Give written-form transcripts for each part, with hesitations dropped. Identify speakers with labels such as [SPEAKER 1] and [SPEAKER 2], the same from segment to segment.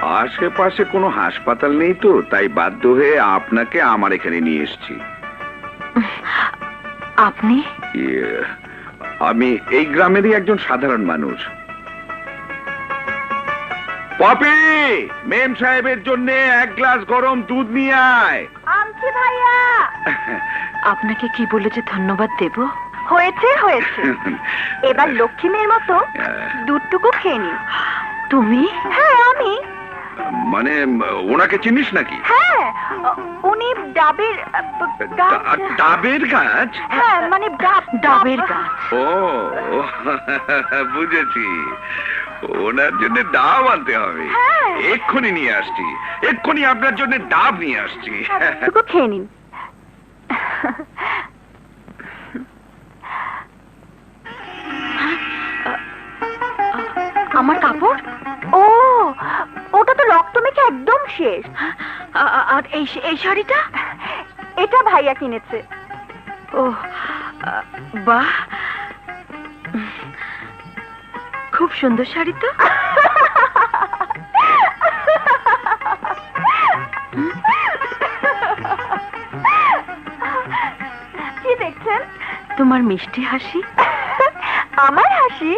[SPEAKER 1] আশেপাশে কোনো হাসপাতাল নেই তো, তাই বাধ্য হয়ে আপনাকে আমার এখানে নিয়ে এসেছি।
[SPEAKER 2] আপনি?
[SPEAKER 1] আমি এই গ্রামেরই একজন সাধারণ মানুষ। পপি, মেম সাহেবের জন্য এক গ্লাস গরম দুধ নিয়ে আয়।
[SPEAKER 2] আনছি ভাইয়া। আপনাকে কি বলে যে ধন্যবাদ দেব? হয়েছে হয়েছে, এবার লক্ষ্মী মেয়ের মতো দুধটুকু খেয়ে নিন। তুমি? হ্যাঁ আমি।
[SPEAKER 1] মানে ওনাকে চিনিস নাকি?
[SPEAKER 2] হ্যাঁ, উনি ডাবের
[SPEAKER 1] ডাবের গাছ।
[SPEAKER 2] হ্যাঁ মানে ডাবের গাছ।
[SPEAKER 1] ও বুঝেছি, ওনার জন্য ডাব আনতে হবে। এক্ষুনি নিয়ে আসছি, এক্ষুনি আপনার জন্য ডাব নিয়ে আসছি।
[SPEAKER 2] খেয়ে নিন। আমার কাপড়? ও, ওটা তো রক্ত মেখে একদম শেষ। আর এই শাড়িটা? এটা ভাইয়া কিনেছে। ও বাহ, খুব সুন্দর শাড়ি তো। কি দেখছেন? তোমার মিষ্টি হাসি। আমার হাসি?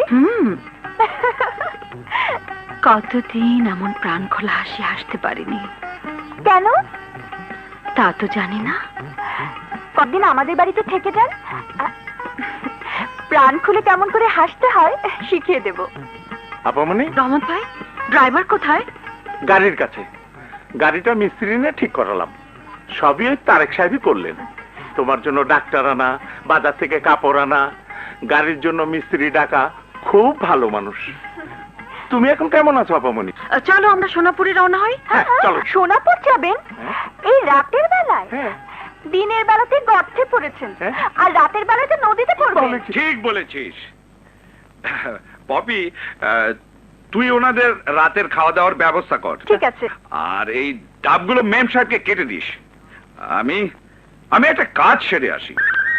[SPEAKER 2] কতদিন এমন প্রাণ খোলা হাসি হাসতে পারিনি। কেন? তা তো জানি না। কতদিন আমাদের বাড়িতে থেকে যান, প্রাণ খুলে কেমন করে হাসতে হয় শিখিয়ে দেব।
[SPEAKER 3] আপামনি,
[SPEAKER 2] রহমত ভাই, ড্রাইভার কোথায়?
[SPEAKER 3] গাড়ির কাছে। গাড়িটা মিস্ত্রি নিয়ে ঠিক করালাম। সবই ওই তারেক সাহেবই করলেন। তোমার জন্য ডাক্তার আনা, বাজার থেকে কাপড় আনা, গাড়ির জন্য মিস্ত্রি ডাকা। খুব ভালো মানুষ। তুমি এখন কেমন আছো আপামনি?
[SPEAKER 2] চলো আমরা সোনাপুরে রওনা হই।
[SPEAKER 3] হ্যাঁ, চলো।
[SPEAKER 2] সোনাপুর যাবেন? এই রাতের বেলায়?
[SPEAKER 3] হ্যাঁ।
[SPEAKER 2] দিনের বেলাতে গর্তে পড়েছেন, আর রাতের বেলাতে নদীতে পড়বেন।
[SPEAKER 1] ঠিক বলেছিস পপি। তুই ওনাদের রাতের খাওয়া দাওয়ার ব্যবস্থা কর।
[SPEAKER 2] ঠিক আছে।
[SPEAKER 1] আর এই ডাবগুলো মেম সাহেবকে কেটে দিস। আমি একটা কাজ সেরে আসি।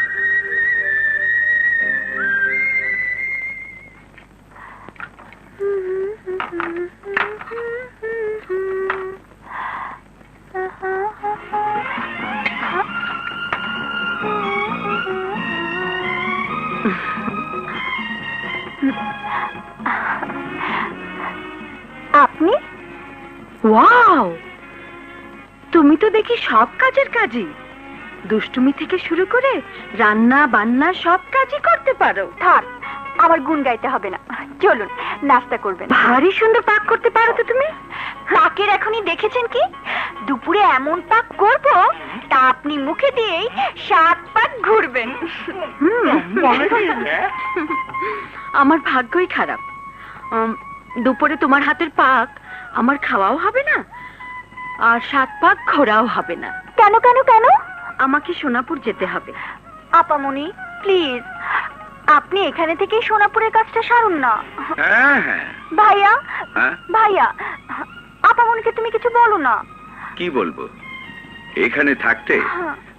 [SPEAKER 2] আপনি? ওয়াও, তুমি তো দেখি সব কাজের কাজই। দুষ্টুমি থেকে শুরু করে রান্না বান্না সব কাজই করতে পারো। থাক, আমার গুণ গাইতে হবে না। চলুন নাস্তা করবেন। ভারী সুন্দর পাক করতে পারো তো তুমি। পাকের এখনই দেখেছেন কি? দুপুরে এমন পাক করব তা আপনি মুখে দিয়েই 7 পাক ঘুরবেন। আমার ভাগ্যই খারাপ। দুপুরে তোমার হাতের পাক আমার খাওয়াও হবে না, আর 7 পাক ঘোরাও হবে না। কেন কেন কেন? আমাকে সোনাপুর যেতে হবে। আপামনি প্লিজ, আপনি এখানে থেকে সোনাপুরের কাজটা সারুন না।
[SPEAKER 1] হ্যাঁ হ্যাঁ।
[SPEAKER 2] ভাইয়া, ভাইয়া, আপামনিকে তুমি কিছু বলো না।
[SPEAKER 1] কি বলবো? এখানে থাকতে